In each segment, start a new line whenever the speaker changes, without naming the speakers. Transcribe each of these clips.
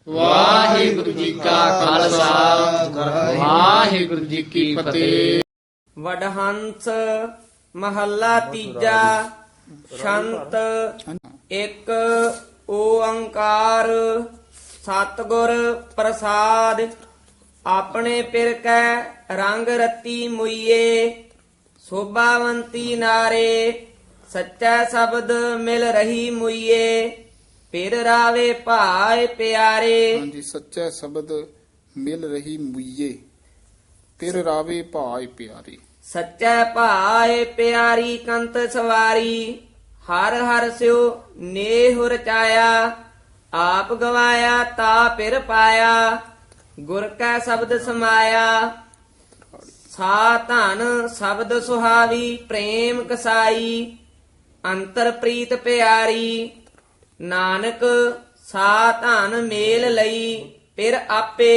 ਵਾਹਿਗੁਰੂ ਜੀ ਕਾ ਖਾਲਸਾ ਵਾਹਿਗੁਰੂ ਜੀ ਕੀ ਫਤਿਹ।
ਵਡਹੰਸ ਮਹੱਲਾ ਤੀਜਾ। ਸ਼ੰਤ ਇੱਕ ਓੰਕਾਰ ਸਤਿਗੁਰ ਪ੍ਰਸਾਦ। ਆਪਣੇ ਪਿਰ ਕੈ ਰੰਗ ਰਤੀ ਮੁਈਏ, ਸੋਭਾਵੰਤੀ ਨਾਰੇ ਸੱਚਾ ਸ਼ਬਦ ਮਿਲ ਰਹੀ ਮੁਈਏ। ਪਿਰ ਰਾਵੇ ਭਾਏ ਪਿਆਰੇ।
ਹਾਂਜੀ, ਸੱਚਾ ਸ਼ਬਦ ਮਿਲ ਰਹੀ ਮੁਈਏ, ਪਿਰ ਰਾਵੇ ਭਾਏ ਪਿਆਰੇ।
ਸੱਚਾ ਭਾਏ ਪਿਆਰੀ ਕੰਤ ਸਵਾਰੀ, ਹਰ ਹਰ ਸਿਓ ਨੇਹੁ ਰਚਾਇਆ। ਆਪ ਗਵਾਇਆ ਤਾ ਪਿਰ ਪਾਇਆ, ਗੁਰ ਕੈ ਸ਼ਬਦ ਸਮਾਇਆ। ਸਾ ਧਨ ਸ਼ਬਦ ਸੁਹਾਵੀ ਪ੍ਰੇਮ ਕਸਾਈ, ਅੰਤਰ ਪ੍ਰੀਤ ਪਿਆਰੀ। ਨਾਨਕ ਸਾ ਧਨ ਮੇਲ ਲਈ ਪਿਰ ਆਪੇ,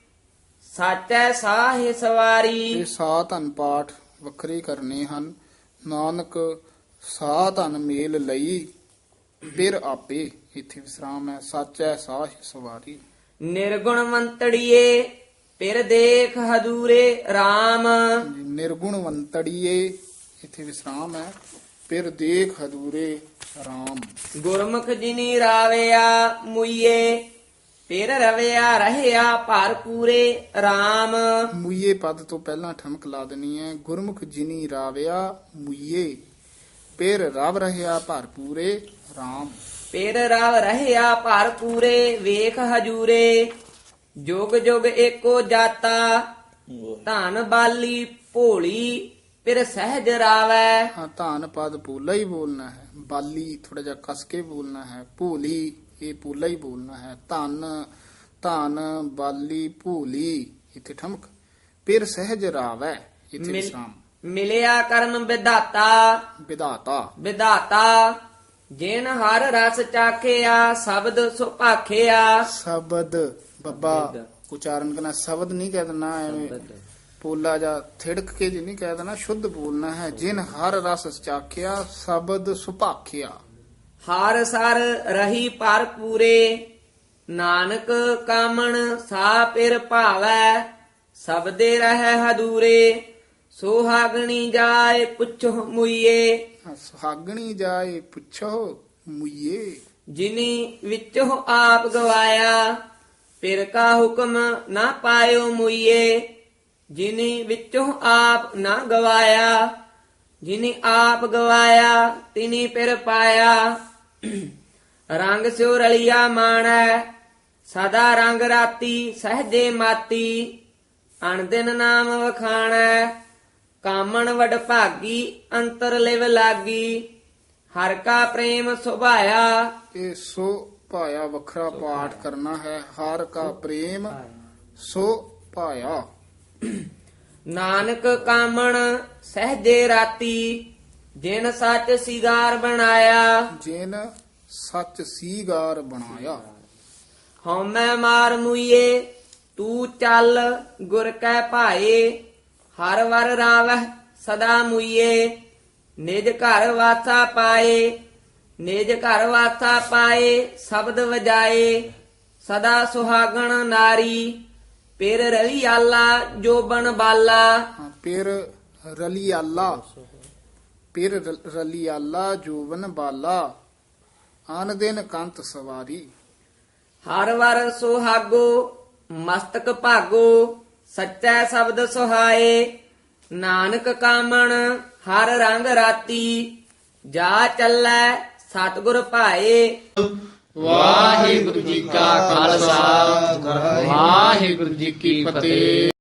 ਸਾਚੈ ਸਾਹਿ ਸਵਾਰੀ।
ਇਹ ਸਾ ਧਨ ਪਾਠ ਵੱਖਰੇ ਕਰਨੇ ਹਨ। ਨਾਨਕ ਸਾ ਧਨ ਮੇਲ ਲਈ ਪਿਰ ਆਪੇ, ਇੱਥੇ ਵਿਸਰਾਮ ਹੈ। ਸਾਚੈ ਸਾਹਿ ਸਵਾਰੀ।
ਨਿਰਗੁਣਵੰਤੜੀਏ ਪਿਰ ਦੇਖ ਹਦੂਰੇ RAM।
ਨਿਰਗੁਣਵੰਤੜੀਏ, ਇੱਥੇ ਵਿਸਰਾਮ ਹੈ। ਪਿਰ ਦੇਖ ਹਦੂਰੇ RAM।
ਗੁਰਮੁਖ ਜਿਨੀ ਰਾਵਿਆ ਮੁਈਏ, ਪਿਰ ਰਵਿਆ ਰਹਿਆ ਭਰ ਪੂਰੇ RAM।
ਮੁਈਏ ਪਦ ਤੋਂ ਪਹਿਲਾਂ ਠਮਕ ਲਾ ਦੇਣੀ ਹੈ। ਗੁਰਮੁਖ ਜਿਨੀ ਰਾਵਿਆ ਮੁਈਏ, ਪਿਰ ਰਵ ਰਹਿਆ ਭਰਪੂਰੇ RAM।
ਪਿਰ ਰਵ ਰਹਿਆ ਭਰ ਪੂਰੇ ਵੇਖ ਹਜੂਰੇ। ਜੁਗ ਜੁਗ ਏਕੋ ਜਾਤਾ, ਧਨ ਬਾਲੀ ਭੋਲੀ ਪਿਰ ਸਹਿਜ ਰਾਵੈ।
ਹਾਂ, ਧਾਨ ਪਦ ਪੂਲਾ ਹੀ ਬੋਲਣਾ ਹੈ। ਬਾਲੀ ਥੋੜਾ ਜਿਹਾ ਕਸ ਕੇ ਬੋਲਣਾ ਹੈ। ਭੂਲੀ ਇਹ ਪੂਲਾ ਹੀ ਬੋਲਣਾ ਹੈ। ਧਨ ਧਨ ਬਾਲੀ ਭੂਲੀ, ਇੱਥੇ ਠਮਕ। ਪਿਰ ਸਹਿਜ ਰਾਵੈ, ਇੱਥੇ ਵਿਸਰਾਮ।
ਮਿਲਿਆ ਕਰਮ ਵਿਧਾਤਾ,
ਵਿਧਾਤਾ।
ਵਿਧਾਤਾ ਜਿਨ ਹਰ ਰਸ ਚਾਖਿਆ ਸ਼ਬਦ ਸੁਭਾਖਿਆ।
ਸ਼ਬਦ ਬੱਬਾ ਉਚਾਰਨ ਕਰਨਾ, ਸ਼ਬਦ ਨਹੀਂ ਕਹਿ ਦੇਣਾ ਐਵੇਂ ਪੋਲਾ ਜਾਂ ਥਿੜਕ ਕੇ ਜੀ ਨਹੀਂ ਕਹਿ ਦੇਣਾ, ਸ਼ੁੱਧ ਬੋਲਣਾ ਹੈ। ਜਿਨ ਹਰ ਰਸ ਚਾਖਿਆ ਸ਼ਬਦ ਸੁਭਾਖਿਆ।
ਹਰ ਸਰ ਰਹੀ ਭਰ ਪੂਰੇ, ਨਾਨਕ ਕਾਮਣ ਸਾ ਪਿਰ ਭਾਵੈ। ਸਬਦੇ ਰਹਿ ਹਦੂਰੇ, ਸੁਹਾਗਣੀ ਜਾਏ ਪੁੱਛੋ ਮੁਈਏ।
ਸੁਹਾਗਣੀ ਜਾਏ ਪੁੱਛੋ ਮੁਈਏ।
ਜਿਨੀ ਵਿੱਚੋਂ ਆਪ ਗਵਾਇਆ, ਪਿਰ ਕਾ ਹੁਕਮ ਨਾ ਪਾਇਓ ਮੁਈਏ। ਜਿਨੀ ਵਿੱਚੋਂ ਆਪ ਨਾ ਗਵਾਇਆ, ਜਿਨੀ ਆਪ ਗਵਾਇਆ ਤਿਨੀ ਪਿਰ ਪਾਇਆ। ਰੰਗ ਸਿਉ ਰਲਿਆ ਮਾਣੈ, ਸਦਾ ਰੰਗ ਰਾਤੀ ਸਹਜੇ ਮਾਤੀ। ਅਣਦਿਨ ਨਾਮ ਵਖਾਣੈ, ਕਾਮਣ ਵਡ ਭਾਗੀ ਅੰਤਰ ਲਿਵ ਲਾਗੀ। ਹਰ ਕਾ ਪ੍ਰੇਮ ਸੁਭਾਇਆ।
ਇਹ ਸੋ ਭਾਇਆ ਵੱਖਰਾ ਪਾਠ ਕਰਨਾ ਹੈ। ਹਰ ਕਾ ਪ੍ਰੇਮ ਸੋ ਭਾਇਆ।
ਨਾਨਕ ਕਾਮਣ ਸਹਜੇ ਰਾਤੀ, ਜਿਨ ਸੱਚ ਸਿਗਾਰ ਬਣਾਇਆ।
ਜਿਨ ਸੱਚ ਸੀਗਾਰ ਬਣਾਇਆ।
ਹਉਮੈ ਮਾਰ ਮੁਈਏ ਤੂੰ ਚੱਲ, ਗੁਰ ਕੈ ਭਾਏ। ਹਰ ਵਰ ਰਾਵਹਿ ਸਦਾ ਮੁਈਏ, ਨਿਜ ਘਰ ਵਾਸਾ ਪਾਏ। ਨਿਜ ਘਰ ਵਾਸਾ ਪਾਏ ਸ਼ਬਦ ਵਜਾਏ। ਸਦਾ ਸੁਹਾਗਣ ਨਾਰੀ, ਪਿਰ ਰਲੀ ਆਲਾ ਜੋਬਨ ਬਾਲਾ।
ਹਾਂ, ਪਿਰ ਰਲੀ ਆਲਾ, ਪਿਰ ਰਲੀ ਆਲਾ ਜੋਵਨ ਬਾਲਾ। ਆਨ ਦਿਨ ਕੰਤ ਸਵਾਰੀ।
ਹਰ ਵਰ ਸੁਹਾਗੋ ਮਸਤਕ ਭਾਗੋ, ਸੱਚਾ ਸ਼ਬਦ ਸੁਹਾਏ। ਨਾਨਕ ਕਾਮਣ ਹਰ ਰੰਗ ਰਾਤੀ, ਜਾ ਚੱਲੈ ਸਤਿਗੁਰ ਭਾਏ।
ਵਾਹਿਗੁਰੂ ਜੀ ਕਾ ਖਾਲਸਾ ਵਾਹਿਗੁਰੂ ਜੀ ਕੀ ਫਤਿਹ।